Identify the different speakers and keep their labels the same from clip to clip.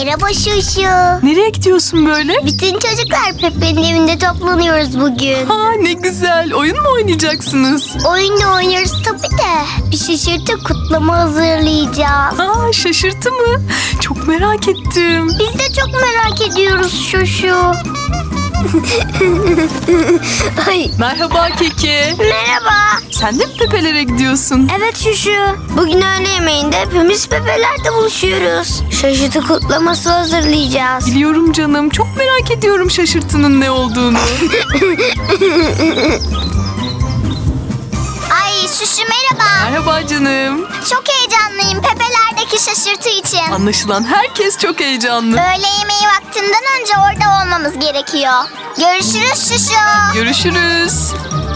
Speaker 1: Merhaba Şuşu.
Speaker 2: Nereye gidiyorsun böyle?
Speaker 1: Bütün çocuklar Pepe'nin evinde toplanıyoruz bugün.
Speaker 2: Ha, ne güzel. Oyun mu oynayacaksınız?
Speaker 1: Oyun oynuyoruz tabii de. Bir şaşırtı kutlama hazırlayacağız.
Speaker 2: Aa, şaşırtı mı? Çok merak ettim.
Speaker 1: Biz de çok merak ediyoruz Şuşu. Ay.
Speaker 2: Merhaba Keke.
Speaker 1: Merhaba.
Speaker 2: Sen de mi Pepe'lere gidiyorsun?
Speaker 1: Evet Şuşu. Bugün öğle yemeğinde hepimiz Pepe'lerde buluşuyoruz. Şaşırtı kutlaması hazırlayacağız.
Speaker 2: Biliyorum canım. Çok merak ediyorum şaşırtının ne olduğunu.
Speaker 1: Ay Şuşu merhaba.
Speaker 2: Merhaba canım.
Speaker 1: Çok heyecanlıyım Pepe'lerdeki şaşırtı için.
Speaker 2: Anlaşılan herkes çok heyecanlı.
Speaker 1: Öğle yemeği vaktinden önce orada olmamız gerekiyor. Görüşürüz Şuşu.
Speaker 2: Görüşürüz.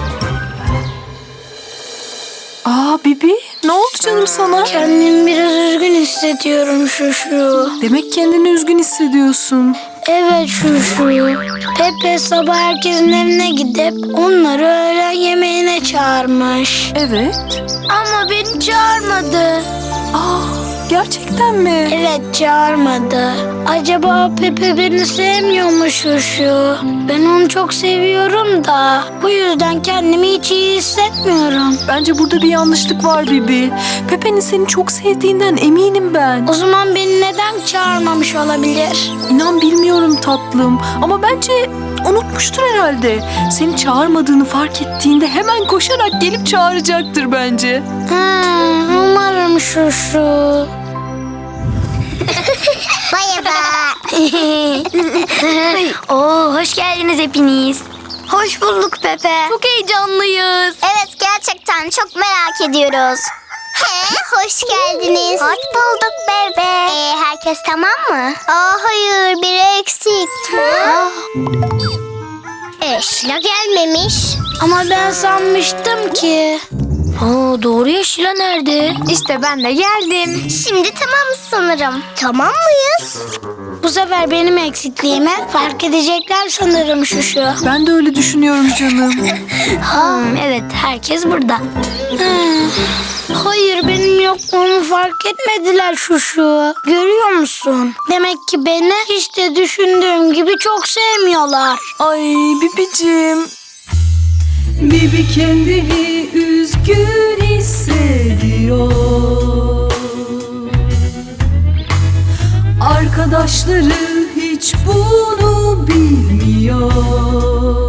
Speaker 2: Aa Bibi, ne oldu canım sana?
Speaker 3: Kendimi biraz üzgün hissediyorum Şuşu.
Speaker 2: Demek kendini üzgün hissediyorsun.
Speaker 3: Evet Şuşu. Pepe sabah herkesin evine gidip onları öğlen yemeğine çağırmış.
Speaker 2: Evet.
Speaker 3: Ama beni çağırmadı.
Speaker 2: Aa, gerçekten mi?
Speaker 3: Evet çağırmadı. Acaba Pepe beni sevmiyor mu Şuşu? Ben onu çok seviyorum da bu yüzden kendimi hiç iyi hissetmiyorum.
Speaker 2: Bence burada bir yanlışlık var Bibi. Pepe'nin seni çok sevdiğinden eminim ben.
Speaker 3: O zaman beni neden çağırmamış olabilir?
Speaker 2: İnan bilmiyorum tatlım. Ama bence unutmuştur herhalde. Seni çağırmadığını fark ettiğinde hemen koşarak gelip çağıracaktır bence.
Speaker 3: Umarım Şuşu.
Speaker 1: Merhaba.
Speaker 3: Oo, hoş geldiniz hepiniz.
Speaker 1: Hoş bulduk Pepe.
Speaker 3: Çok heyecanlıyız.
Speaker 1: Evet gerçekten çok merak ediyoruz. Hoş geldiniz. Hoş bulduk bebe. Herkes tamam mı? Hayır biri eksik. Şila gelmemiş.
Speaker 3: Ama ben sanmıştım ki. Doğru ya, Şila nerede? İşte ben de geldim.
Speaker 1: Şimdi tamamız sanırım. Tamam mıyız?
Speaker 3: Bu sefer benim eksikliğimi fark edecekler sanırım Şuşu.
Speaker 2: Ben de öyle düşünüyorum canım.
Speaker 3: Evet, herkes burada. Hayır, benim yokluğumu fark etmediler Şuşu. Görüyor musun? Demek ki beni hiç de düşündüğüm gibi çok sevmiyorlar.
Speaker 2: Ay Bibicim. Bibi kendini üzgün hissediyor. Arkadaşları hiç bunu bilmiyor.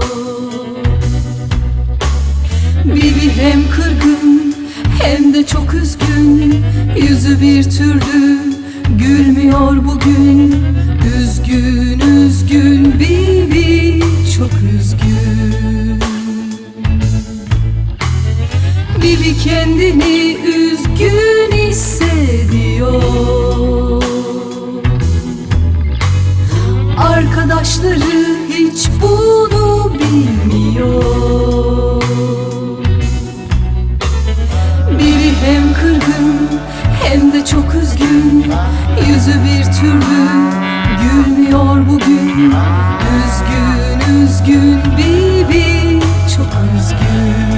Speaker 2: Bibi hem kırgın hem de çok üzgün. Yüzü bir türlü gülmüyor bugün. Üzgün üzgün Bibi çok üzgün. Bibi kendini üzgün hissediyor. Arkadaşları hiç bunu bilmiyor. Bibi hem kırgın hem de çok üzgün. Yüzü bir türlü gülmüyor bugün. Üzgün üzgün Bibi çok üzgün.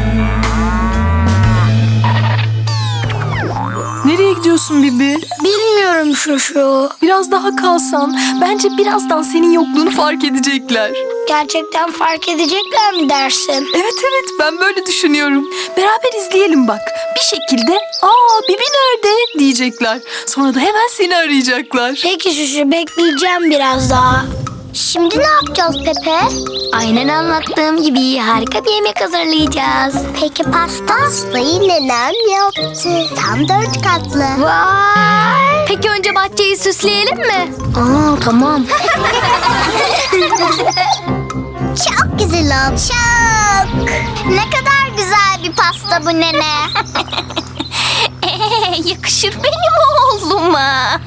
Speaker 2: Nereye gidiyorsun Bibi?
Speaker 3: Bilmiyorum Şuşu.
Speaker 2: Biraz daha kalsan bence birazdan senin yokluğunu fark edecekler.
Speaker 3: Gerçekten fark edecekler mi dersin?
Speaker 2: Evet ben böyle düşünüyorum. Beraber izleyelim bak. Bir şekilde Bibi nerede diyecekler. Sonra da hemen seni arayacaklar.
Speaker 3: Peki Şuşu, bekleyeceğim biraz daha.
Speaker 1: Şimdi ne yapacağız Pepe?
Speaker 3: Aynen anlattığım gibi harika bir yemek hazırlayacağız.
Speaker 1: Peki pastayı nenem yaptı. Tam 4 katlı.
Speaker 3: Vay! Peki önce bahçeyi süsleyelim mi? Tamam.
Speaker 1: Çok güzel oldu. Çok. Ne kadar güzel bir pasta bu nene. Yakışır benim oğluma.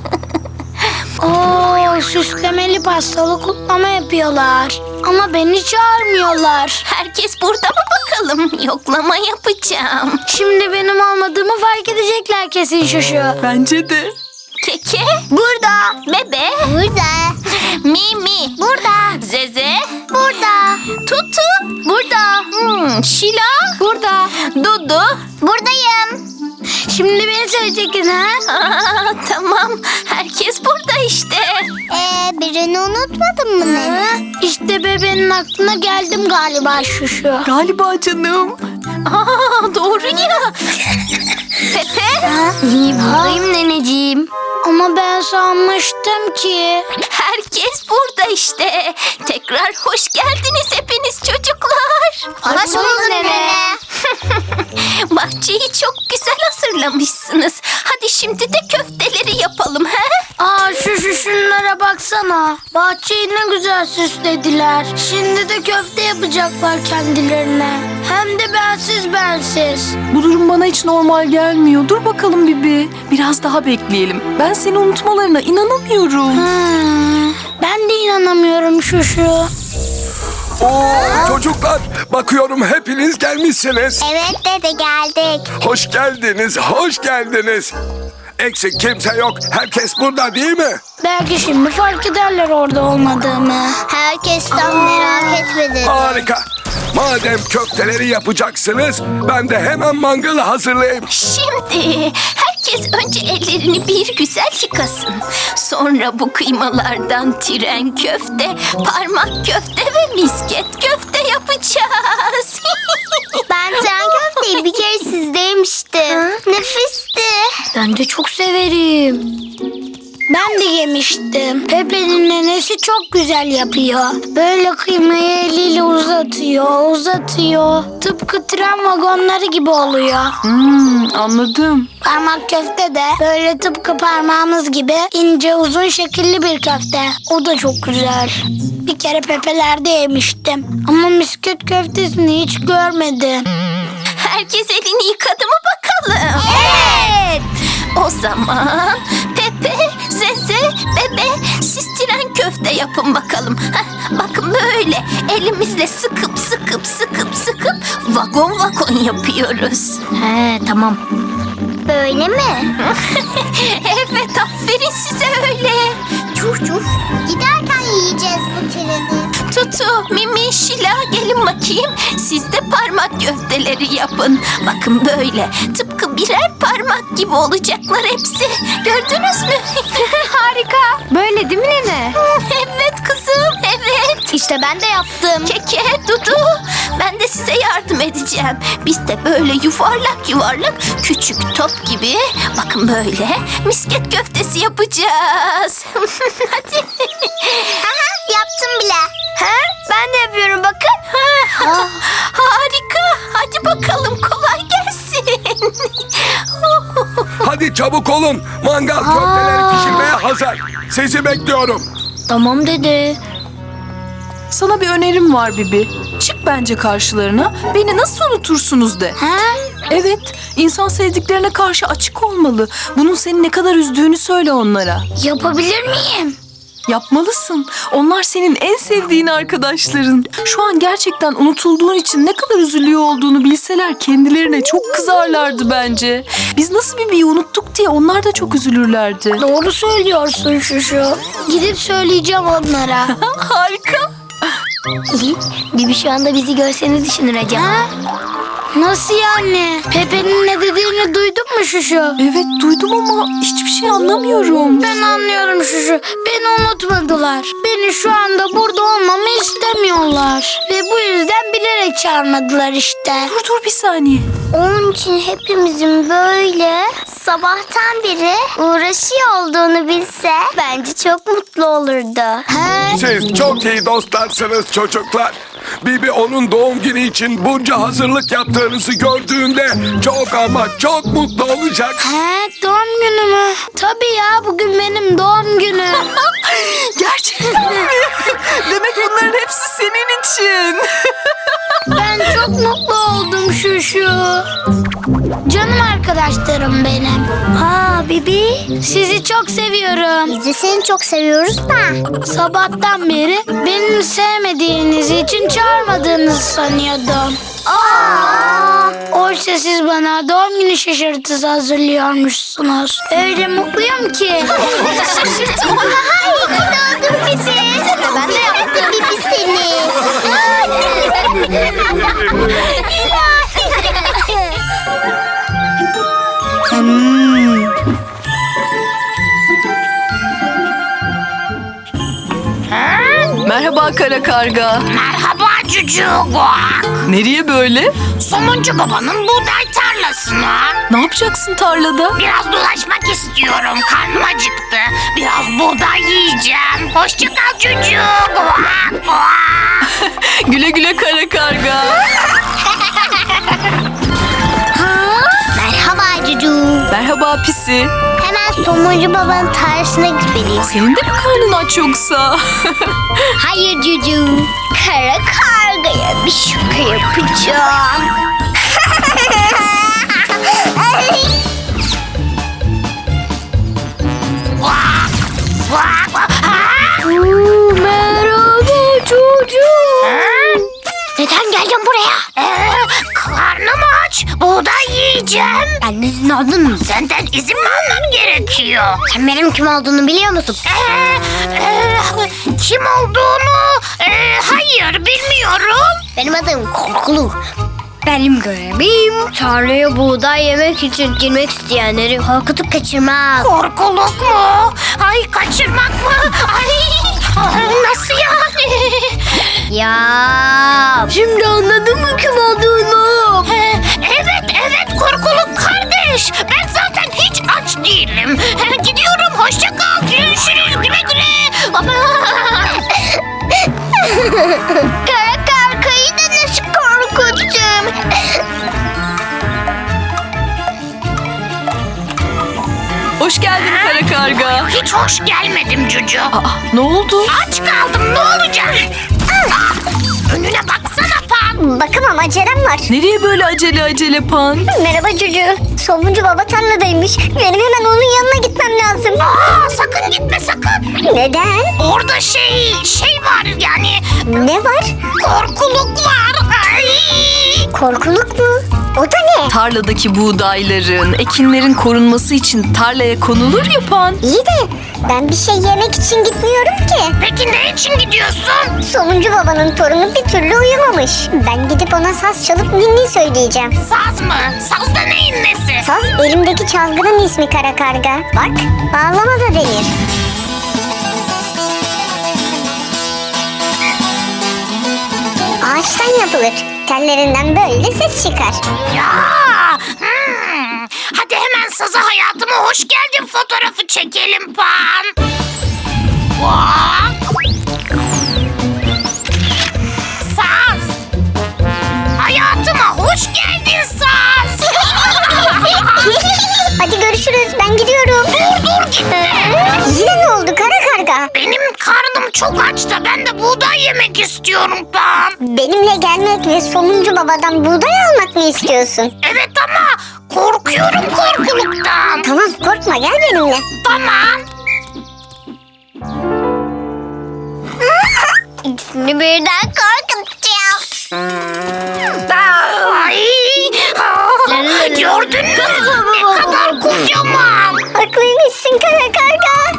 Speaker 3: Süslemeli pastalı kutlama yapıyorlar. Ama beni çağırmıyorlar.
Speaker 1: Herkes burada mı bakalım? Yoklama yapacağım.
Speaker 3: Şimdi benim olmadığımı fark edecekler kesin Şuşu.
Speaker 2: Bence de.
Speaker 1: Keke? Burada. Bebe? Burada. Mimi? Burada. Zeze? Burada. Tutu? Burada. Şila? Burada. Dudu? Buradayım.
Speaker 3: Şimdi beni seveceksiniz ha?
Speaker 1: Tamam. Herkes burada işte. Birini unutmadın mı nene?
Speaker 3: İşte bebeğin aklına geldim galiba Şuşu.
Speaker 2: Galiba canım. Aa, doğru ya. Pepe.
Speaker 1: İyi buradayım neneciğim.
Speaker 3: Ama ben sanmıştım ki.
Speaker 2: Herkes burada işte. Tekrar hoş geldiniz hepiniz çocuklar.
Speaker 1: Hoş bulduk nene.
Speaker 2: Bahçeyi çok güzel hazırlamışsınız. Hadi şimdi de köfteleri yapalım he?
Speaker 3: Aa Şuşu şunlara baksana. Bahçeyi ne güzel süslediler. Şimdi de köfte yapacaklar kendilerine. Hem de bensiz.
Speaker 2: Bu durum bana hiç normal gelmiyor. Dur bakalım Bibi. Biraz daha bekleyelim. Ben seni unutmalarına inanamıyorum.
Speaker 3: Ben de inanamıyorum Şuşu.
Speaker 4: Oo, çocuklar bakıyorum hepiniz gelmişsiniz.
Speaker 1: Evet dede geldik.
Speaker 4: Hoş geldiniz, hoş geldiniz. Eksik kimse yok. Herkes burada değil mi?
Speaker 3: Belki şimdi fark ederler orada olmadığımı.
Speaker 1: Herkesten merak etme dede.
Speaker 4: Harika. Madem köfteleri yapacaksınız, ben de hemen mangalı hazırlayayım.
Speaker 2: Şimdi herkes önce ellerini bir güzel yıkasın. Sonra bu kıymalardan tren köfte, parmak köfte ve misket köfte yapacağız.
Speaker 1: Ben tren köfteyi bir kere sizde yemiştim. Nefisti.
Speaker 3: Ben de çok severim. Ben de yemiştim. Pepe'nin nenesi çok güzel yapıyor. Böyle kıymayı eliyle uzatıyor. Tıpkı tren vagonları gibi oluyor.
Speaker 2: Anladım.
Speaker 3: Parmak köfte de böyle tıpkı parmağımız gibi ince uzun şekilli bir köfte. O da çok güzel. Bir kere Pepe'lerde yemiştim. Ama misket köftesini hiç görmedim.
Speaker 2: Herkes elini yıkadı mı bakalım?
Speaker 3: Evet.
Speaker 2: O zaman Pepe, Zeze, Bebe siz tren köfte yapın bakalım. Bakın böyle elimizle sıkıp vagon yapıyoruz.
Speaker 3: He tamam.
Speaker 1: Böyle mi?
Speaker 2: Evet aferin size öyle.
Speaker 1: Giderken yiyeceğiz bu treni.
Speaker 2: Tutu, Mimi, Şila gelin bakayım. Siz de parmak köfteleri yapın. Bakın böyle tıpkı birer parmak gibi olacaklar hepsi. Gördünüz mü? Harika.
Speaker 3: Böyle değil mi nene?
Speaker 2: Evet kızım, evet.
Speaker 3: İşte ben de yaptım.
Speaker 2: Keke, Dudu, ben de size yardım edeceğim. Biz de böyle yuvarlak küçük top gibi bakın böyle misket köftesi yapacağız. Hadi.
Speaker 1: Aha, yaptım bile.
Speaker 2: Ha? Ben de yapıyorum bakın. Harika. Hadi bakalım kolay gelsin.
Speaker 4: Hadi çabuk olun. Mangal köfteleri pişirmeye hazır. Sizi bekliyorum.
Speaker 3: Tamam dede.
Speaker 2: Sana bir önerim var Bibi. Çık bence karşılarına. Beni nasıl unutursunuz de.
Speaker 3: Ha?
Speaker 2: Evet, insan sevdiklerine karşı açık olmalı. Bunun seni ne kadar üzdüğünü söyle onlara.
Speaker 3: Yapabilir miyim?
Speaker 2: Yapmalısın. Onlar senin en sevdiğin arkadaşların. Şu an gerçekten unutulduğun için ne kadar üzülüyor olduğunu bilseler kendilerine çok kızarlardı bence. Biz nasıl Bibi'yi unuttuk diye onlar da çok üzülürlerdi.
Speaker 3: Doğru söylüyorsun Şuşu. Gidip söyleyeceğim onlara.
Speaker 2: Harika.
Speaker 3: Bibi şu anda bizi görseniz düşünür acaba. Ha? Nasıl yani? Pepe'nin ne dediğini duydun mu Şuşu?
Speaker 2: Evet duydum ama hiçbir şey anlamıyorum.
Speaker 3: Ben anlıyorum Şuşu. Beni unutmadılar. Beni şu anda burada olmamı istemiyorlar. Ve bu yüzden bilerek çağırmadılar işte.
Speaker 2: Dur bir saniye.
Speaker 1: Onun için hepimizin böyle sabahtan beri uğraşıyor olduğunu bilse bence çok mutlu olurdu.
Speaker 4: Siz çok iyi dostlarsınız çocuklar. Bibi onun doğum günü için bunca hazırlık yaptığınızı gördüğünde çok ama çok mutlu olacak.
Speaker 3: He, doğum günü mü? Tabii ya, bugün benim doğum günüm.
Speaker 2: Gerçekten mi? Demek bunların hepsi senin için.
Speaker 3: Ben çok mutlu oldum Şuşu. Canım arkadaşlarım benim.
Speaker 1: Bibi.
Speaker 3: Sizi çok seviyorum.
Speaker 1: Biz de seni çok seviyoruz da.
Speaker 3: Sabahtan beri beni sevmediğiniz için çağırmadığınızı sanıyordum. Oysa siz bana doğum günü şaşırtısı hazırlıyormuşsunuz. Öyle mutluyum ki.
Speaker 1: Şaşırtma. İyi ki doğdun bizi. Ben de yaptım Bibi seni.
Speaker 2: Merhaba kara karga.
Speaker 5: Merhaba Cucuk.
Speaker 2: Nereye böyle?
Speaker 5: Somuncu babanın buğday tarlasına.
Speaker 2: Ne yapacaksın tarlada?
Speaker 5: Biraz dolaşmak istiyorum. Karnım acıktı. Biraz buğday yiyeceğim. Hoşça kal Cucuk.
Speaker 2: Güle güle kara karga.
Speaker 1: Merhaba Cucu.
Speaker 2: Merhaba pisi.
Speaker 1: Hemen somuncu babanın tarlasına gitmeliyim.
Speaker 2: Senin de mi karnın aç yoksa?
Speaker 1: Hayır Cucu. Kara kargaya bir şaka yapacağım.
Speaker 3: Merhaba çocuk.
Speaker 1: Neden geldin buraya?
Speaker 5: Karnım aç. Buğday yiyeceğim.
Speaker 1: Ben izin aldın mı?
Speaker 5: Senden izin mi almam gerekiyor?
Speaker 1: Sen benim kim olduğunu biliyor musun?
Speaker 5: Kim olduğunu hayır bilmiyorum.
Speaker 1: Benim adım Korkulu.
Speaker 3: Benim görevim tarlaya buğday yemek için girmek isteyenleri
Speaker 1: Korkutup kaçırmak.
Speaker 5: Korkuluk mu? Ay kaçırmak mı? Ay nasıl yani?
Speaker 1: Ya.
Speaker 3: Şimdi anladın mı kim olduğunu?
Speaker 5: Evet korkuluk kardeş. Ben zaten hiç aç değilim. Gidiyorum hoşça kal. Görüşürüz güle güle.
Speaker 1: Kara kargayı da nasıl korkuttum?
Speaker 2: Hoş geldin kara karga.
Speaker 5: Hiç hoş gelmedim Cucu.
Speaker 2: Aa, ne oldu?
Speaker 5: Aç kaldım ne olacak? Önüne baksana Pan.
Speaker 1: Bakamam, acelem var.
Speaker 2: Nereye böyle acele pan?
Speaker 1: Merhaba Cucu. Somuncu baba tarladaymış. Benim hemen onun yanına gitmem lazım.
Speaker 5: Sakın gitme sakın.
Speaker 1: Neden?
Speaker 5: Orada şey var yani
Speaker 1: Ne var?
Speaker 5: korkuluk var. Ay.
Speaker 1: Korkuluk mu? O da ne?
Speaker 2: Tarladaki buğdayların, ekinlerin korunması için tarlaya konulur ya pan.
Speaker 1: İyi de ben bir şey yemek için gitmiyorum ki.
Speaker 5: Peki ne için gidiyorsun?
Speaker 1: Somuncu babanın torunu bir türlü uyumamış. Ben gidip ona saz çalıp ninni söyleyeceğim.
Speaker 5: Saz mı? Saz da neyin nesi?
Speaker 1: Saz elimdeki çalgının ismi kara karga. Bak, bağlama da denir. Ağaçtan yapılır. Tellerinden böyle ses çıkar.
Speaker 5: Ya. Hadi hemen saza hayatıma hoş geldin fotoğrafı çekelim Pan. Bak. Saz. Hayatıma hoş geldin Saz.
Speaker 1: Hadi görüşürüz, ben gidiyorum.
Speaker 5: Dur gitme.
Speaker 1: Yine ne oldu kara karga?
Speaker 5: Benim karnım çok aç da ben de buğday yemek istiyorum Pan.
Speaker 1: Benimle gelmek ve somuncu babadan buğday almak mı istiyorsun?
Speaker 5: Evet ama korkuyorum korkuluktan.
Speaker 1: Tamam, korkma, gel benimle.
Speaker 5: Tamam.
Speaker 1: İkisini birden korkutacağım.
Speaker 5: Ay. Gördün mü? Ne kadar kocaman.
Speaker 1: Haklıymışsın kara karga.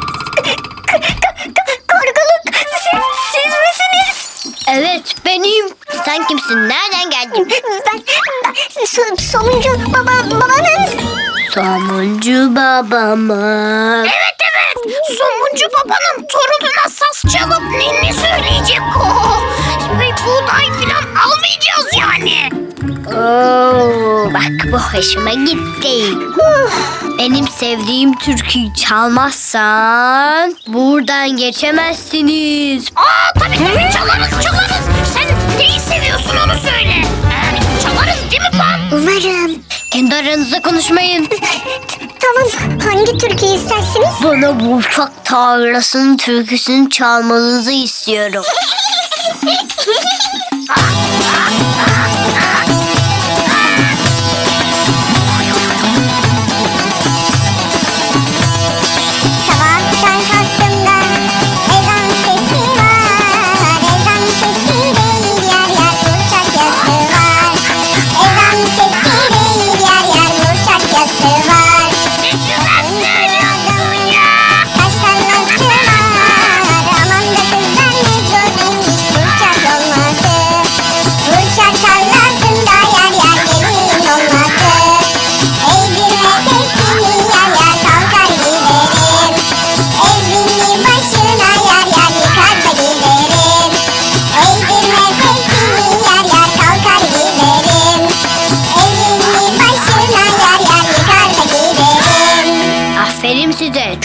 Speaker 1: Korkuluk, siz misiniz?
Speaker 3: Evet benim.
Speaker 1: Sen kimsin? Nereden geldin? Ben somuncu babanın.
Speaker 3: Somuncu babamı.
Speaker 5: Evet. Somuncu babanın torununa saz çalıp ninni söyleyecek o. Ve buğday falan almayacağız yani.
Speaker 3: Oo, bak bu hoşuma gitti. Benim sevdiğim türküyü çalmazsan buradan geçemezsiniz.
Speaker 5: Tabii çalarız. Sen neyi seviyorsun onu söyle. Çalarız değil mi Pan?
Speaker 1: Umarım.
Speaker 3: Kendi aranızda konuşmayın.
Speaker 1: Tamam, hangi türküyü istersiniz?
Speaker 3: Bana bu ufak tarlasının türküsünü çalmanızı istiyorum.
Speaker 1: Sabahtan kalktığımda ezan sesi var. Ezan sesi değil, yer yer burçak yası var. Ezan sesi değil, yer yer burçak yası var.
Speaker 5: Ne güzel söylüyorsun ya.
Speaker 1: Taştan nasıl var? Aman da kızlar ne görmemiş burçak olması. Burçak tarla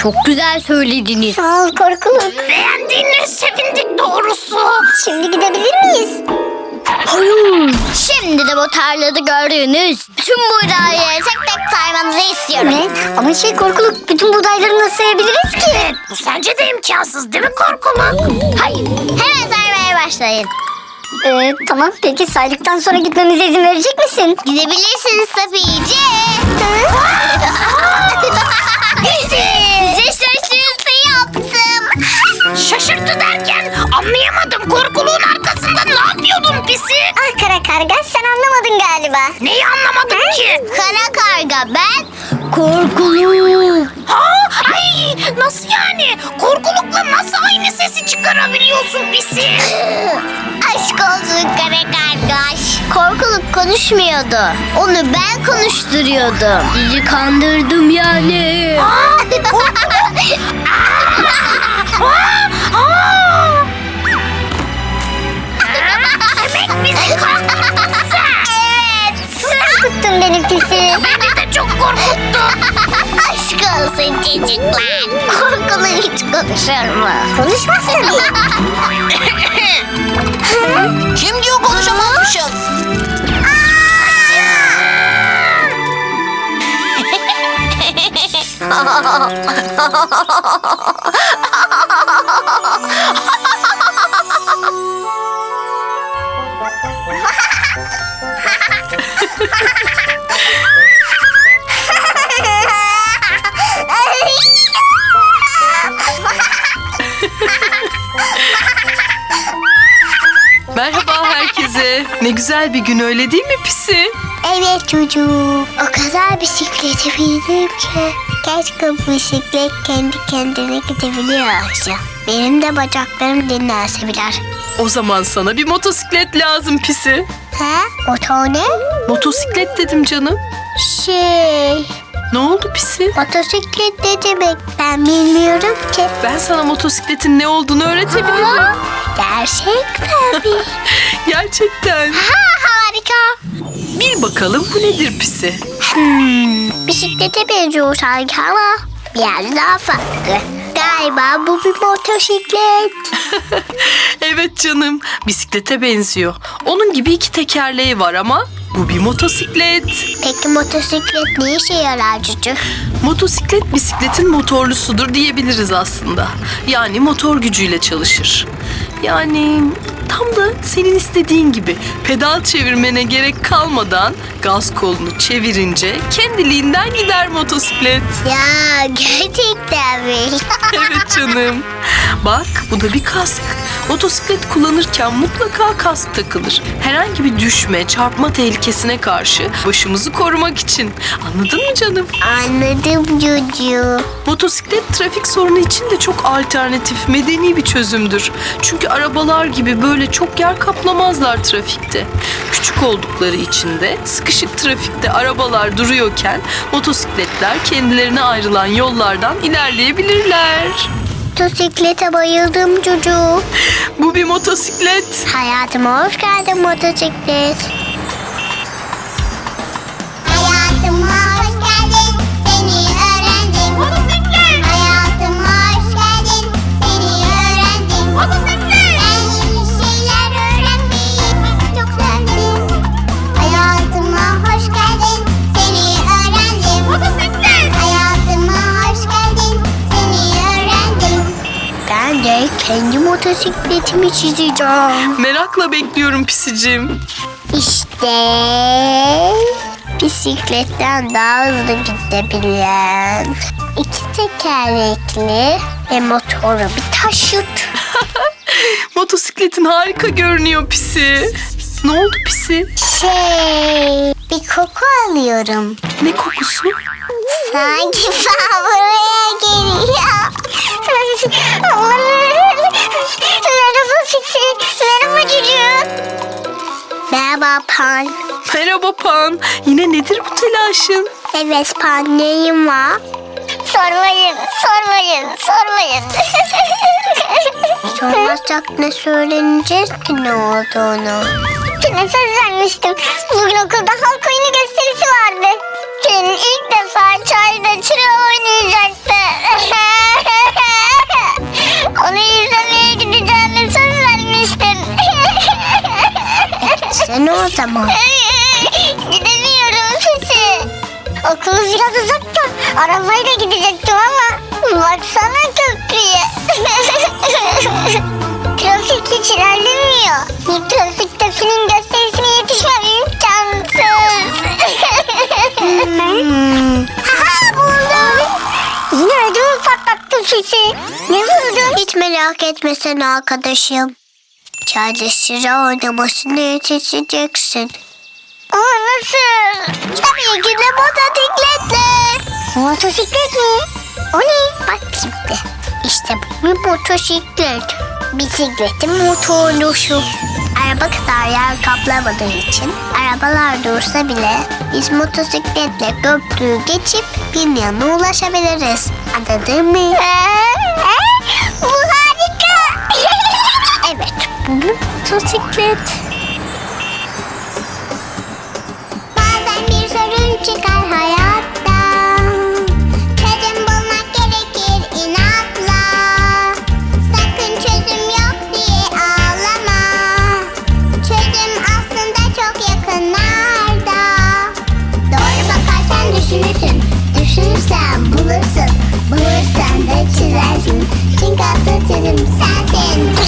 Speaker 3: Çok güzel söylediniz.
Speaker 1: Sağ ol Korkuluk.
Speaker 5: Beğendiğine sevindik doğrusu.
Speaker 1: Şimdi gidebilir miyiz?
Speaker 3: Hayır. Şimdi de bu tarlada gördüğünüz bütün buğdayları tek tek saymanızı istiyorum.
Speaker 1: Ne? Ama Korkuluk, bütün buğdayları nasıl sayabiliriz ki?
Speaker 5: Bu sence de imkansız değil mi Korkuluk?
Speaker 3: Hayır. Hemen saymaya başlayın.
Speaker 1: Tamam, peki saydıktan sonra gitmemize izin verecek misin?
Speaker 3: Gidebilirsiniz Safiye. Size şaşırtı yaptım.
Speaker 5: Şaşırttı derken anlayamadım. Korkuluğun arkasında ne yapıyordun pisi?
Speaker 1: Ah kara karga, sen anlamadın galiba.
Speaker 5: Neyi anlamadım ki?
Speaker 3: Kara karga ben korkuluyum.
Speaker 5: Ha? Ay nasıl yani? Korkulukla nasıl aynı sesi çıkarabiliyorsun pisi?
Speaker 3: Aşk olsun kara kargaş. Korkuluk konuşmuyordu. Onu ben konuşturuyordum. Sizi kandırdım yani.
Speaker 5: Demek bizi korkuttun sen.
Speaker 3: Evet.
Speaker 1: Korkuttun beni pisi.
Speaker 5: Beni de çok korkuttu.
Speaker 3: Aşk olsun çocuklar. Korkuluk hiç konuşur mu?
Speaker 1: Konuşmaz tabii.
Speaker 3: Kim diyor konuşamazmışız?
Speaker 2: Merhaba herkese. Ne güzel bir gün öyle değil mi Pisi?
Speaker 1: Evet çocuğum. O kadar bisiklete bindim ki. Keşke bu bisiklet kendi kendine gidebiliyorsa. Benim de bacaklarım dinlense birer.
Speaker 2: O zaman sana bir motosiklet lazım Pisi.
Speaker 1: He? Motor ne?
Speaker 2: Motosiklet dedim canım. Ne oldu Pisi?
Speaker 1: Motosiklet ne demek? Ben bilmiyorum ki.
Speaker 2: Ben sana motosikletin ne olduğunu öğretebilirim.
Speaker 1: Gerçekten mi?
Speaker 2: Gerçekten.
Speaker 1: Harika.
Speaker 2: Bir bakalım bu nedir Pisi?
Speaker 1: Bisiklete benziyor sanki ama biraz daha farklı. Galiba bu bir motosiklet.
Speaker 2: Evet canım, bisiklete benziyor. Onun gibi iki tekerleği var ama bu bir motosiklet.
Speaker 1: Peki motosiklet ne işe yarar Cucu?
Speaker 2: Motosiklet bisikletin motorlusudur diyebiliriz aslında. Yani motor gücüyle çalışır. Yani tam da senin istediğin gibi pedal çevirmene gerek kalmadan gaz kolunu çevirince kendiliğinden gider motosiklet.
Speaker 1: Ya gerçekten mi?
Speaker 2: Evet canım. Bak bu da bir kask. Motosiklet kullanırken mutlaka kask takılır. Herhangi bir düşme, çarpma tehlikesine karşı başımızı korumak için. Anladın mı canım?
Speaker 1: Anladım Cucu.
Speaker 2: Motosiklet trafik sorunu için de çok alternatif, medeni bir çözümdür. Çünkü arabalar gibi böyle çok yer kaplamazlar trafikte. Küçük oldukları için de sıkışık trafikte arabalar duruyorken motosikletler kendilerine ayrılan yollardan ilerleyebilirler.
Speaker 1: Motosiklete bayıldım Cucu.
Speaker 2: Bu bir motosiklet.
Speaker 1: Hayatıma hoş geldin motosiklet. Hayatıma hoş geldin, seni öğrendim. Motosiklet. Hayatıma hoş geldin, seni öğrendim. Motosiklet. Ben yeni şeyler öğrenmeyi çok sevdim. Hayatıma hoş geldin, seni öğrendim. Motosiklet. Hayatıma hoş geldin, seni öğrendim. Ben de kendi motosikletimi çizeceğim.
Speaker 2: Merakla bekliyorum Pisicim.
Speaker 1: İşte bisikletten daha hızlı gidebilen, iki tekerlekli ve motoru bir taşıt.
Speaker 2: Motosikletin harika görünüyor Pisi. Ne oldu Pisi?
Speaker 1: Bir koku alıyorum.
Speaker 2: Ne kokusu?
Speaker 1: Sanki ben buraya geliyor. Merhaba Pisi. Merhaba Cucu. Merhaba Pan.
Speaker 2: Merhaba Pan. Yine nedir bu telaşın?
Speaker 1: Evet Pan, neyim var? Sormayın. Sormazsak ne söyleneceğiz ki ne olduğunu? Yine söz vermiştim. Bugün okulda halk oyunu gösterisi vardı. Pelin ilk defa çayda çıra oynayacaktı. Onu izlemeye gideceğime söz vermiştin.
Speaker 3: Sen o zaman.
Speaker 1: Gidemiyorum Fisi. Okul biraz uzakta. Arabayla gidecektim ama baksana köprüye. Trafik hiç ilerlemiyor. Bir trafikte film gösterisine yetişmem imkansız. Haha buldum. Yine ödümü patlattın Fisi. Ne buldun?
Speaker 3: Hiç merak etme sen arkadaşım. Çayda sıra oynamasını yetişeceksin.
Speaker 1: Ama nasıl?
Speaker 3: Tabii ki de motosikletle.
Speaker 1: Motosiklet mi? O ne?
Speaker 3: Bak şimdi. İşte bu bir motosiklet. Bisikletin motorlusu. Araba kadar yer kaplamadığı için arabalar dursa bile biz motosikletle köprüyü geçip bir yana ulaşabiliriz. Anladın mı?
Speaker 1: Bu harika.
Speaker 3: Evet, bu bir motosiklet.
Speaker 1: Bazen bir sorun çıkar hayatta. Çözüm bulmak gerekir inatla. Sakın çözüm yok diye ağlama. Çözüm aslında çok yakınlarda. Doğru bakarsan düşünürsün. Düşünürsen bulursun. Bulursan da çizersin. Çünkü asıl çözüm sensin.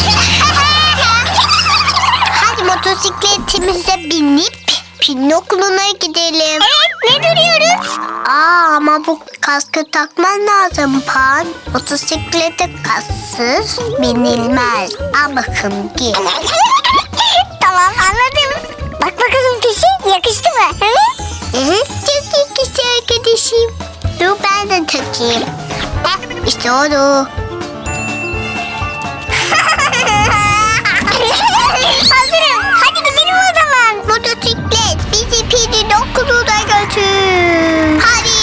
Speaker 3: Hadi motosikletimize binip Pelin okuluna gidelim.
Speaker 1: Evet, ne duruyoruz?
Speaker 3: Ama bu kaskı takman lazım Pan. Motosiklete kasksız binilmez. Al bakın git.
Speaker 1: Tamam, anladım. Bak bakalım Pisi, yakıştı mı? Hı?
Speaker 3: Çok yakıştı arkadaşım. Dur ben de takayım. İşte oldu.
Speaker 1: Hazırım. Hadi gidelim o zaman.
Speaker 3: Motosiklet bizi Pelin okuluna götür. Hadi.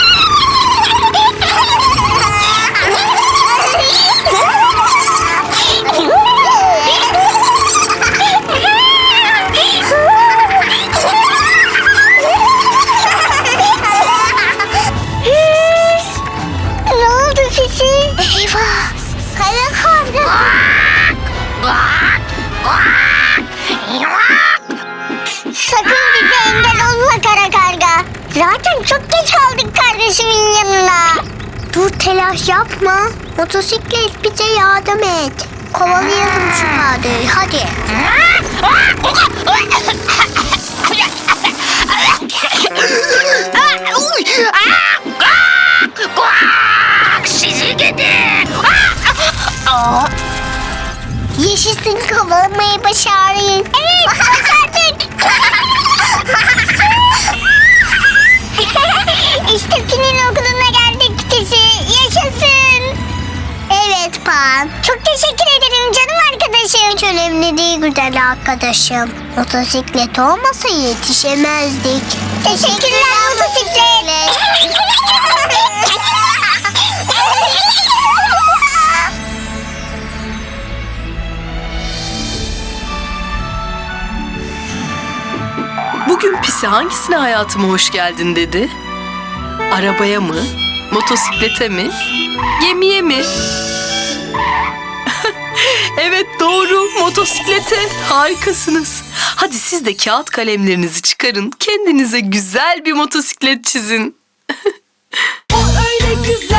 Speaker 1: Ne oldu Fisi?
Speaker 3: Eyvah.
Speaker 1: Kara karga. Sakın bize engel olma kara karga. Zaten çok geç kaldık kardeşimin yanına.
Speaker 3: Dur telaş yapma. Motosiklet bize yardım et. Kovalayalım şu kardeyi hadi.
Speaker 5: Sizi gidi.
Speaker 3: Yaşasın kovalamayı başarıyız.
Speaker 1: Evet, başardık. İşte Pin'in okuluna geldik Pisi. Yaşasın.
Speaker 3: Evet Pan.
Speaker 1: Çok teşekkür ederim canım arkadaşım.
Speaker 3: Hiç önemli değil güzel arkadaşım. Motosiklet olmasa yetişemezdik.
Speaker 1: Teşekkürler motosiklet.
Speaker 2: Bugün Pisi hangisine hayatıma hoş geldin dedi? Arabaya mı? Motosiklete mi? Gemiye mi? Evet doğru, motosiklete. Harikasınız. Hadi siz de kağıt kalemlerinizi çıkarın. Kendinize güzel bir motosiklet çizin. O öyle güzel.